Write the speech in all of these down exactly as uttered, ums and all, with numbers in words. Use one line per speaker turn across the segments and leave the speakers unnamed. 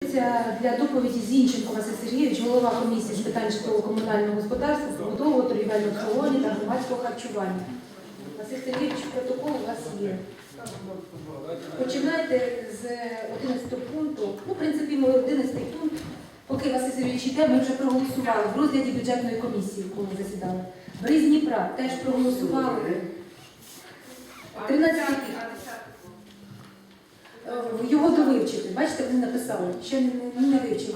Запрошується для доповіді Зінченко Василь Сергійович, голова комісії з питань житлово-комунального господарства, побудового, торгівельного обслуговування та громадського харчування. Василь Сергійович, протокол у вас є. Починайте з одинадцятого пункту. Ну, в принципі, ми одинадцятий пункт. Поки Василь Сергійович йде, ми вже проголосували в розгляді бюджетної комісії, коли засідали. Бриз Дніпра теж проголосували. тринадцятий Його довивчити. Бачите, вони написали. Ще не, не, не вивчили.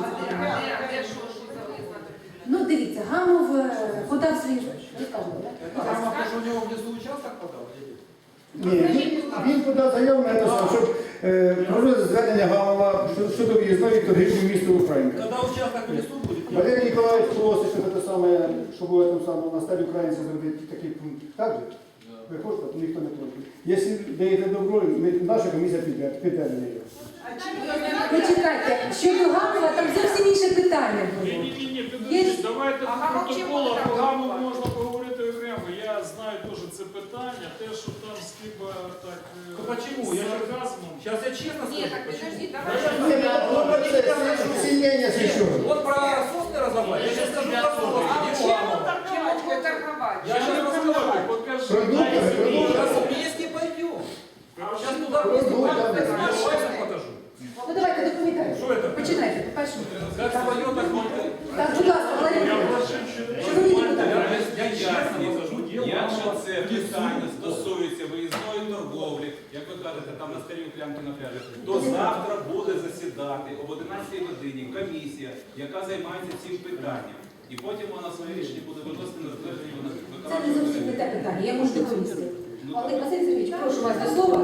Ну, дивіться, Гамов подав свій...
Гамов теж у нього внизу участок подав?
Ні, він, він подав заяву на те, щоб е, проводити звернення Гамова щодо в'їзної торгівлі міста Українка.
Коли участок в лісу буде?
Валерій Ніколаївич просить, щоб це саме, щоб було там саме на стадії українця зробити такий пункт. Так же? Ви хочете, ніхто не проти. Якщо даєте добро, ми, наша комісія піде, піде на неї.
Почекайте, щодо Гамова, там зовсім інше питання було.
Ні-ні-ні, підождіть, давайте по протоколу по Гамову можна поговорити окремо. Я знаю теж це питання, те, що там Скиба так
Ну почему? Я
сарказмом.
Сейчас я честно скажу.
Нет, так подожди, давай.
Ні, ну, це сімейне священня.
Вот про сосны разобрать. Я сейчас скажу про сосны.
А
не
чем
Гамова.
он торговать? торговать?
Я сейчас расскажу.
Покажи.
Продукти, продукти.
Сейчас вместе пойдем. Сейчас туда вместе пойдем. Я покажу.
Ну давайте доповідайте.
Що це?
Починайте, по-перше.
Как свое, так можно.
Так, будь ласка, Валерій. Шановні депутати.
Я чесно покажу.
Якщо це питання стосується виїзної торговлі, як ви кажете, там на старій клямки на пляжі, то завтра буде засідати об одинадцятій годині комісія, яка займається цим питанням. І потім вона своє рішення буде виносити на затвердження на
Це не зовсім не те питання, я можу доповісти. Але, Василь Сергійович, прошу вас до слова.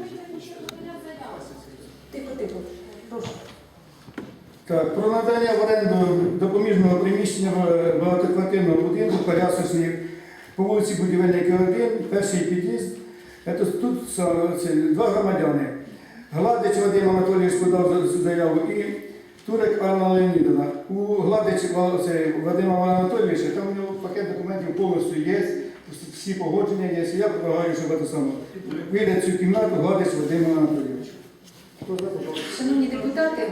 Тихо, тихо, прошу.
Так, про надання в оренду допоміжного приміщення в багатоквартирного будинку Колясочних по вулиці Будівельника один, перший під'їзд. Це тут це, два громадяни. Гладич Вадим Анатолійович подав заяву і Турек Анна Леонідовна. У Гладич це, Вадима Анатолійовича, там у нього пакет документів повністю є, всі погодження є. Я предлагаю, щоб це саме вийде цю кімнату Гладич Вадим Анатолійович.
Шановні депутати,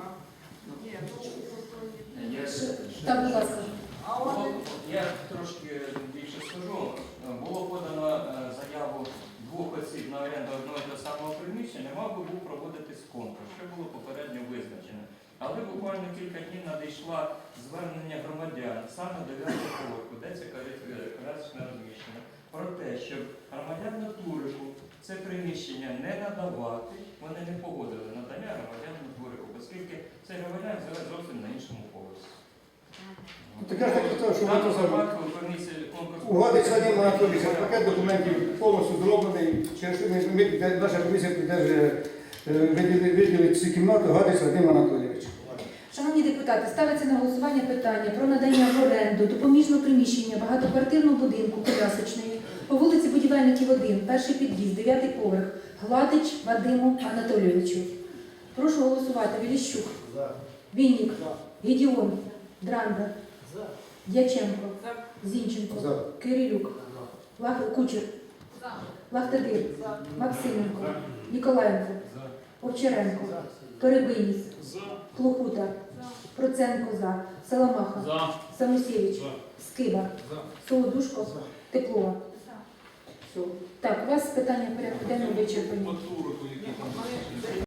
так, будь ласка.
Я трошки більше скажу. Було подано заяву двох осіб на оренду одного і того самого приміщення, мав би був проводитись конкурс, що було попередньо визначено. Але буквально кілька днів надійшло звернення громадян саме до дев'ятого поверху, де це колясочне розміщення, про те, щоб громадянину Турику це приміщення не надавати, вони не погодили надання громадянину Турику, оскільки цей громадян живе зовсім на іншому поверсі.
Так я ж так хотів, що ви то саме. У Гладич Вадим Анатолійович пакет документів повністю зроблений, через що ми, ми, наша комісія підтримує виділити цю кімнату Гладич Вадим Анатолійович.
Шановні депутати, ставиться на голосування питання про надання в оренду допоміжного приміщення багатоквартирного будинку Колясочної по вулиці Будівельників один, перший під'їзд, дев'ятий поверх, Гладич Вадиму Анатолійовичу. Прошу голосувати. Віліщук, Вінник, Гедіон, Дранда, Дяченко, Зінченко, Кирилюк, Лах... Кучер, Лахтадир, Максименко, Ніколаєнко, Овчаренко, Перебийніс, Плохута, Проценко за, Саламаха, Самусєвич, Скиба, Солодушко, Теплова. Так, у вас питання порядку денного вичерпані.